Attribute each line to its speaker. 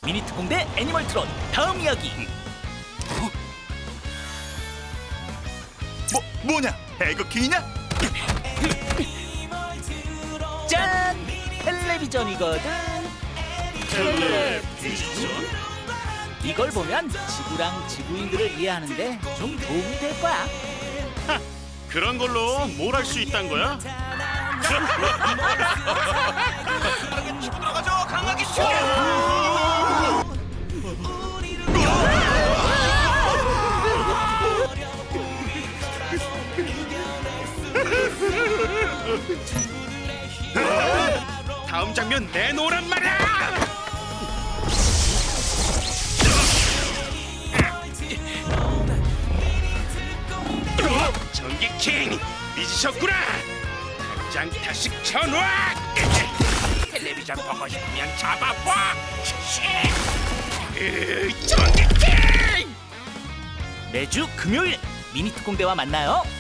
Speaker 1: 미니 특공대 애니멀 트론 다음 이야기.
Speaker 2: 뭐냐? 에그키냐?
Speaker 1: 짠! 텔레비전이거든. 이걸 보면 지구랑 지구인들을 이해하는데 좀 도움이 될 거야.
Speaker 3: 그런 걸로 뭘 할 수 있단 거야?
Speaker 2: 치고 들어가죠. 강하게 치워.
Speaker 3: 다음 장면 내놓으란 말이야! 전기킹 잊으셨구나. 당장 다시 켜놔. 텔레비전 보고 싶으면 잡아봐. 전기킹.
Speaker 1: 매주 금요일 미니 특공대와 만나요.